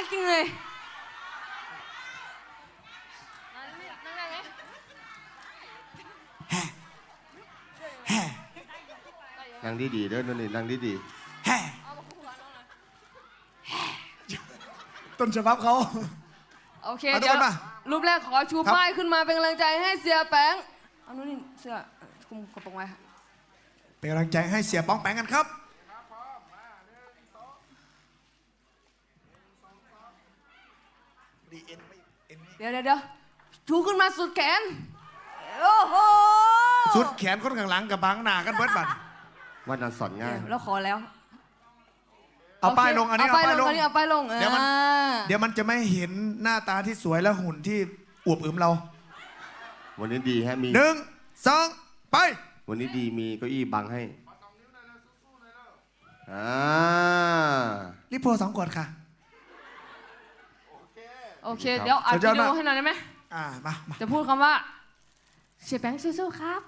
กจริงเลยนั่งดีๆเด้อนี่นั่งดีต้นฉบับเขาโอเคเอาทุกเดี๋ยวคนมารูปแรกขอชูครับป้ายขึ้นมาเป็นกำลังใจให้เสียแป้งเอานู่นนี่เสื้อคุมกระโปรงไว้ค่ะเป็นกำลังใจให้เสียป้องแปงกันครับเดี๋ยวชูขึ้นมาสุดแขนโอ้โหสุดแขนคนข้างหลังกับบังหน้ากันเบิดบัดๆว่านันสอนง่ายแล้วขอแล้วเอาป้ายลงอันนี้เอาป้ายลงอันนี้เอาป้ายลงเดี๋ยวมันจะไม่เห็นหน้าตาที่สวยและหุ่นที่อวบอึมเราวันนี้ดีฮะมี 1 2 ไปวันนี้ดีมีเก้าอี้บังให้รีบโพ2 ขวดค่ะโอเคเดี๋ยวอัดสุดยวิอดดีมากโอให้หน่อยได้ไหมมาจะพูดคำว่าเสียแป้งสู้ๆครับ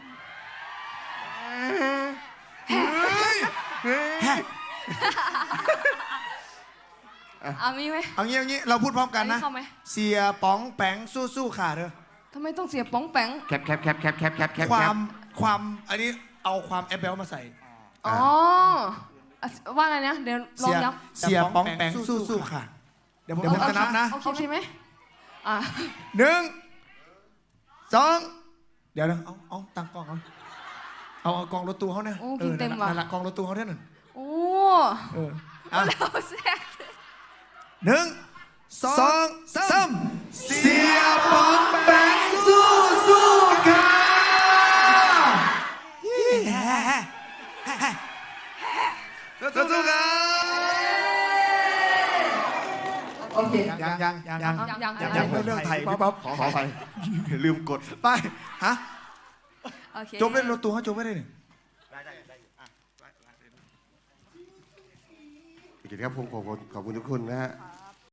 เอามีไหมเอางี้เราพูดพร้อมกันนะอันนี้เข้าไหมเสียป๋องแปงสู้ๆค่ะเด้อทำไมต้องเสียป้องแป้งแคปความอันนี้เอาความแอปเบลมาใส่อ๋อว่าไงนะเดี๋ยวลองย้ำเสียป๋องแปงสู้ๆค่ะ เดี๋ยวผมจะนับนะโอเคไหม 1 2 เดี๋ยวเอาตั้งกล้องเอากองรถตู้เขาเนี่ยโอ้กินเต็มว่ะนั่นแหละกองรถตู้เขาเนี่ยหนึ่งโอ้ 1 เราแซ่บ 2 3เสียป๋องแปงสู้ๆค่ะสู้ๆค่ะโอเคยังไม่เรื่องไทยพี่ป๊อปขอไปลืมกดไปฮะโอเคจบเล่นรถตู้เขาจบไม่ได้หนึ่งโอเคครับผมขอบคุณทุกคนนะฮะ